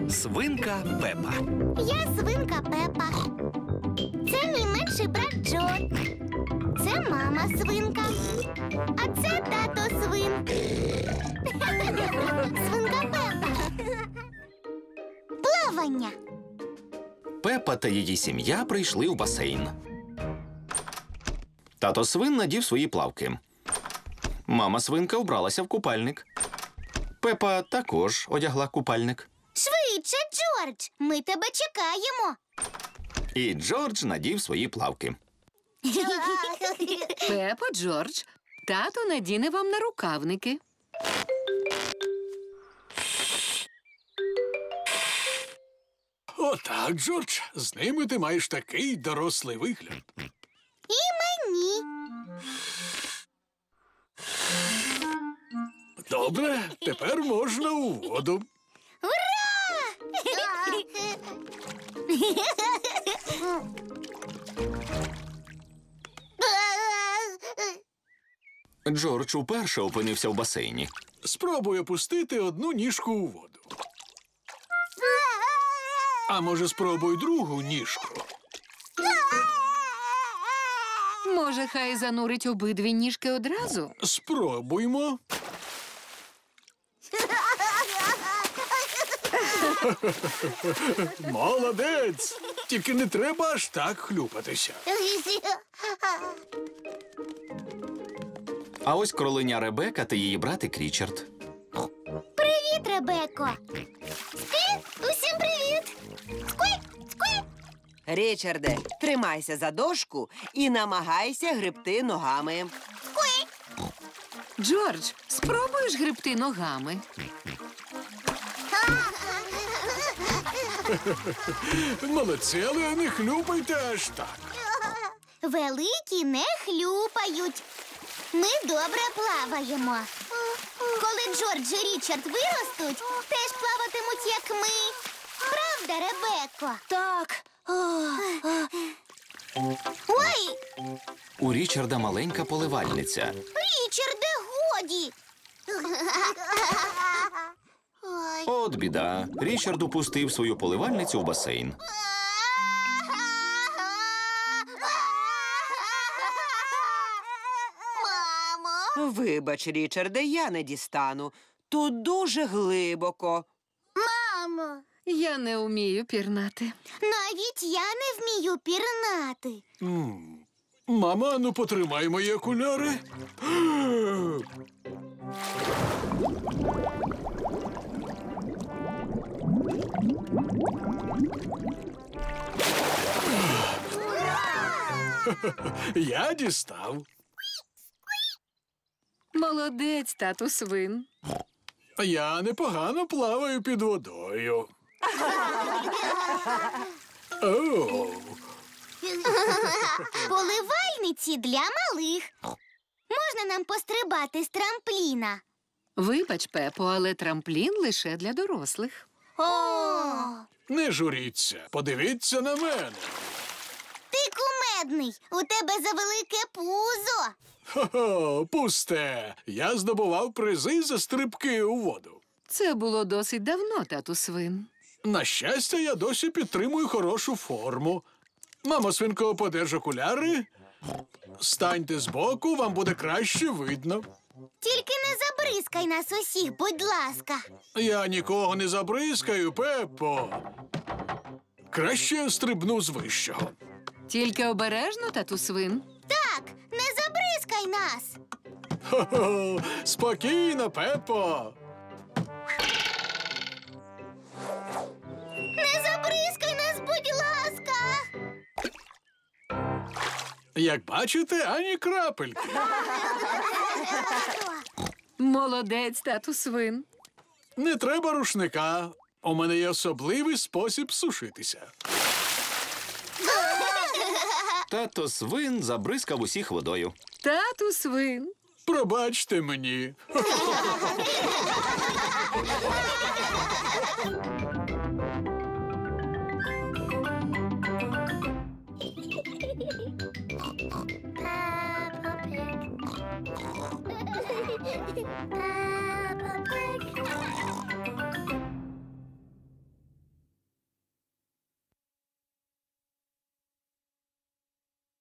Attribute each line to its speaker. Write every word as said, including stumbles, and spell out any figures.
Speaker 1: Свинка Пепа.
Speaker 2: Я свинка Пепа. Це мій менший брат Джо. Це мама свинка. А це тато свин. Свинка Пепа. Плавання.
Speaker 1: Пепа та її сім'я прийшли в басейн. Тато свин надів свої плавки. Мама свинка вбралася в купальник. Пепа також одягла купальник.
Speaker 2: Швидше, Джордж, ми тебе чекаємо.
Speaker 1: І Джордж надів свої плавки.
Speaker 3: Пепо, Джордж, тато надіне вам нарукавники.
Speaker 4: Отак, Джордж, з ними ти маєш такий дорослий вигляд.
Speaker 2: І мені.
Speaker 4: Добре, тепер можна у воду.
Speaker 1: Джордж уперше опинився в басейні.
Speaker 4: Спробуй опустити одну ніжку у воду. А може, спробуй другу ніжку.
Speaker 3: Може, хай занурить обидві ніжки одразу?
Speaker 4: Спробуймо. Молодець! Тільки не треба аж так хлюпатися.
Speaker 1: А ось кроленя Ребека та її братик Річард.
Speaker 2: Привіт, Ребеко. Сквіт, усім привіт. Сквіт, сквіт.
Speaker 5: Річарде, тримайся за дошку і намагайся гребти ногами.
Speaker 2: Сквіт.
Speaker 3: Джордж, спробуєш гребти ногами?
Speaker 4: Молодці, але не хлюпайте аж так.
Speaker 2: Великі не хлюпають. Ми добре плаваємо. Коли Джордж і Річард виростуть, теж плаватимуть, як ми. Правда, Ребеко? Так. Ой,
Speaker 1: У Річарда маленька поливальниця.
Speaker 2: Річарде, годі. Ой.
Speaker 1: От біда. Річард упустив свою поливальницю в басейн.
Speaker 2: Мамо.
Speaker 5: Вибач, Річарде, я не дістану. Тут дуже глибоко.
Speaker 2: Мамо.
Speaker 3: Я не вмію пірнати.
Speaker 2: Навіть я не вмію пірнати.
Speaker 4: М. Мама, ну потримай мої окуляри. Я дістав.
Speaker 3: Молодець, тату свин.
Speaker 4: Я непогано плаваю під водою. О,
Speaker 2: Поливальниці для малих. Можна нам пострибати з трампліна?
Speaker 3: Вибач, Пепо, але трамплін лише для дорослих.
Speaker 2: О,
Speaker 4: не журіться, подивіться на мене.
Speaker 2: ти кумедний. У тебе завелике пузо.
Speaker 4: Хо-хо, пусте. Я здобував призи за стрибки у воду.
Speaker 3: Це було досить давно, тату свин.
Speaker 4: На щастя, я досі підтримую хорошу форму. Мамо, свинко, подерж окуляри. Станьте збоку, вам буде краще видно.
Speaker 2: Тільки не забризкай нас усіх, будь ласка.
Speaker 4: Я нікого не забризкаю, Пеппо. Краще стрибну з вищого.
Speaker 3: Тільки обережно, тату свин.
Speaker 2: Так, не забризкай нас.
Speaker 4: Хо-хо, спокійно, Пеппо.
Speaker 2: Не забризкай нас, будь ласка.
Speaker 4: Як бачите, ані крапельки.
Speaker 3: Молодець, тату свин.
Speaker 4: Не треба рушника. У мене є особливий спосіб сушитися.
Speaker 1: Тато свин забризкав усіх водою.
Speaker 3: Тату свин.
Speaker 4: Пробачте мені.
Speaker 2: Peppa Pig.